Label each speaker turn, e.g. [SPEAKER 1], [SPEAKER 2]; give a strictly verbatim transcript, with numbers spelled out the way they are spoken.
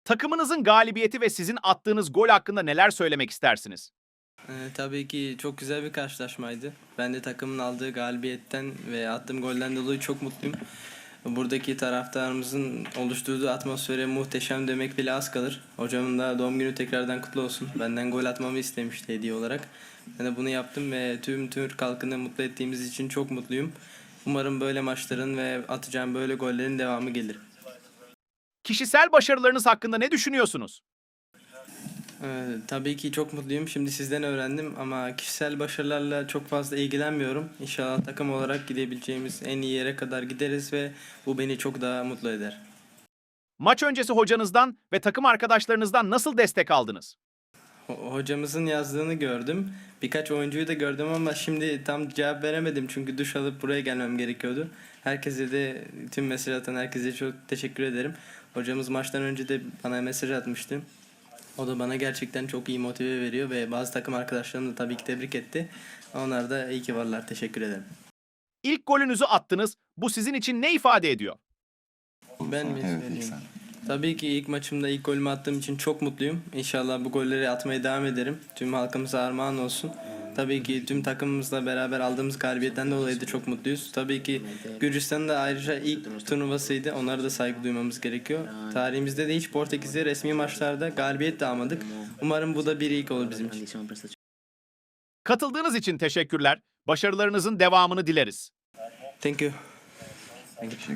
[SPEAKER 1] Takımınızın galibiyeti ve sizin attığınız gol hakkında neler söylemek istersiniz?
[SPEAKER 2] Eee, tabii ki çok güzel bir karşılaşmaydı. Ben de takımın aldığı galibiyetten ve attığım golden dolayı çok mutluyum. Buradaki taraftarımızın oluşturduğu atmosfere muhteşem demek bile az kalır. Hocamın da doğum günü tekrardan kutlu olsun. Benden gol atmamı istemişti hediye olarak. Ben de bunu yaptım ve tüm Türk halkını mutlu ettiğimiz için çok mutluyum. Umarım böyle maçların ve atacağım böyle gollerin devamı gelir.
[SPEAKER 1] Kişisel başarılarınız hakkında ne düşünüyorsunuz?
[SPEAKER 2] Ee, tabii ki çok mutluyum. Şimdi sizden öğrendim ama kişisel başarılarla çok fazla ilgilenmiyorum. İnşallah takım olarak gidebileceğimiz en iyi yere kadar gideriz ve bu beni çok daha mutlu eder.
[SPEAKER 1] Maç öncesi hocanızdan ve takım arkadaşlarınızdan nasıl destek aldınız?
[SPEAKER 2] Ho- Hocamızın yazdığını gördüm. Birkaç oyuncuyu da gördüm ama şimdi tam cevap veremedim çünkü duş alıp buraya gelmem gerekiyordu. Herkese de tüm mesaj atan herkese çok teşekkür ederim. Hocamız maçtan önce de bana mesaj atmıştı. O da bana gerçekten çok iyi motive veriyor ve bazı takım arkadaşlarım da tabii ki tebrik etti. Onlar da iyi ki varlar. Teşekkür ederim.
[SPEAKER 1] İlk golünüzü attınız. Bu sizin için ne ifade ediyor?
[SPEAKER 2] Ben mi
[SPEAKER 3] Evet, ilk
[SPEAKER 2] söyleyeyim?
[SPEAKER 3] sen.
[SPEAKER 2] Tabii ki ilk maçımda ilk golümü attığım için çok mutluyum. İnşallah bu golleri atmaya devam ederim. Tüm halkımıza armağan olsun. Tabii ki tüm takımımızla beraber aldığımız galibiyetten dolayı da çok mutluyuz. Tabii ki Gürcistan'ın da ayrıca ilk turnuvasıydı. Onlara da saygı duymamız gerekiyor. Tarihimizde de hiç Portekiz'e resmi maçlarda galibiyet de almadık. Umarım bu da bir ilk olur bizim için.
[SPEAKER 1] Katıldığınız için teşekkürler. Başarılarınızın devamını dileriz.
[SPEAKER 2] Thank you.
[SPEAKER 3] Teşekkür